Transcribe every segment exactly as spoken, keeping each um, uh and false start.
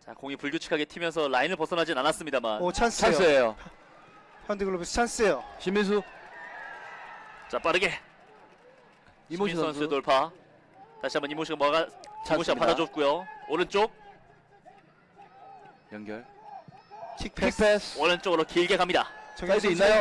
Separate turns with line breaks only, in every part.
자, 공이 불규칙하게 튀면서 라인을 벗어나진 않았습니다만.
오, 찬스예요.
찬스예요.
현대글로비스 찬스예요.
신민수.
자, 빠르게
이모시
신민 선수
선수.
돌파. 다시 한번 이모시가 뭐가 이모시가
찬스입니다.
받아줬고요. 오른쪽
연결.
킥 패스.
킥패스.
오른쪽으로 길게 갑니다.
정현
사이드
선수
있나요?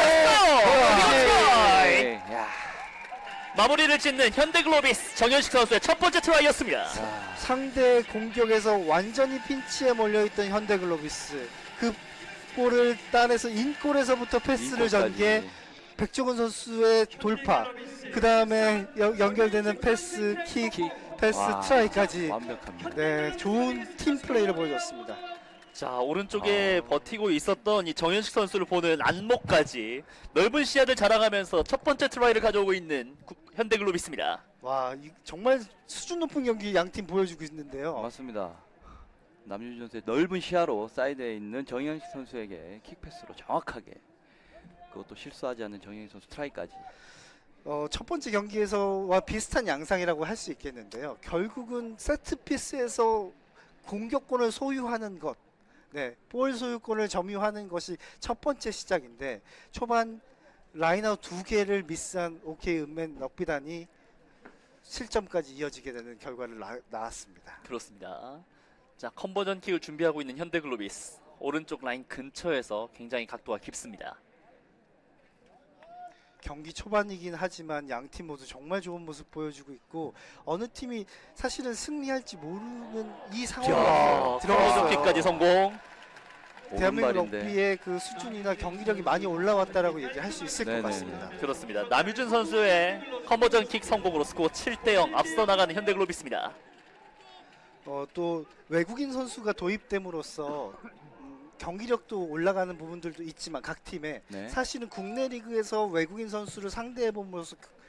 트라이!
네. 야.
마무리를 짓는 현대글로비스 정현식 선수의 첫 번째 트라이였습니다.
자,
상대 공격에서 완전히 핀치에 몰려있던 현대글로비스 그 볼을 따내서 인골에서부터 패스를
인골까지.
전개 백종원 선수의 돌파 그 다음에 연결되는 패스 킥,
킥.
패스
와,
트라이까지
완벽합니다.
네 좋은 팀 플레이를 보여줬습니다.
자, 오른쪽에
아.
버티고 있었던 이 정현식 선수를 보는 안목까지 넓은 시야를 자랑하면서 첫 번째 트라이를 가져오고 있는 구- 현대글로비스입니다.
와 이, 정말 수준 높은 경기 양 팀 보여주고 있는데요.
맞습니다. 남윤준 선수의 넓은 시야로 사이드에 있는 정현식 선수에게 킥패스로 정확하게, 그것도 실수하지 않는 정현식 선수 트라이까지.
어, 첫 번째 경기에서와 비슷한 양상이라고 할 수 있겠는데요. 결국은 세트피스에서 공격권을 소유하는 것, 네, 볼 소유권을 점유하는 것이 첫 번째 시작인데 초반 라인아웃 두 개를 미스한 오케이 은맨 럭비단이 실점까지 이어지게 되는 결과를 나, 나왔습니다.
그렇습니다. 자, 컨버전 킥을 준비하고 있는 현대글로비스. 오른쪽 라인 근처에서 굉장히 각도가 깊습니다.
경기 초반이긴 하지만 양 팀 모두 정말 좋은 모습 보여주고 있고 어느 팀이 사실은 승리할지 모르는 이 상황에
컨버전
들어갔어요.
킥까지 성공.
대한민국
오른발인데.
럭비의 그 수준이나 경기력이 많이 올라왔다라고 얘기할 수 있을
네네.
것 같습니다.
그렇습니다. 남유준 선수의 컨버전 킥 성공으로 스코어 칠 대 영 앞서 나가는 현대글로비스입니다.
어, 또 외국인 선수가 도입됨으로써 음, 경기력도 올라가는 부분들도 있지만 각 팀에
네.
사실은 국내 리그에서 외국인 선수를 상대해 봄으로써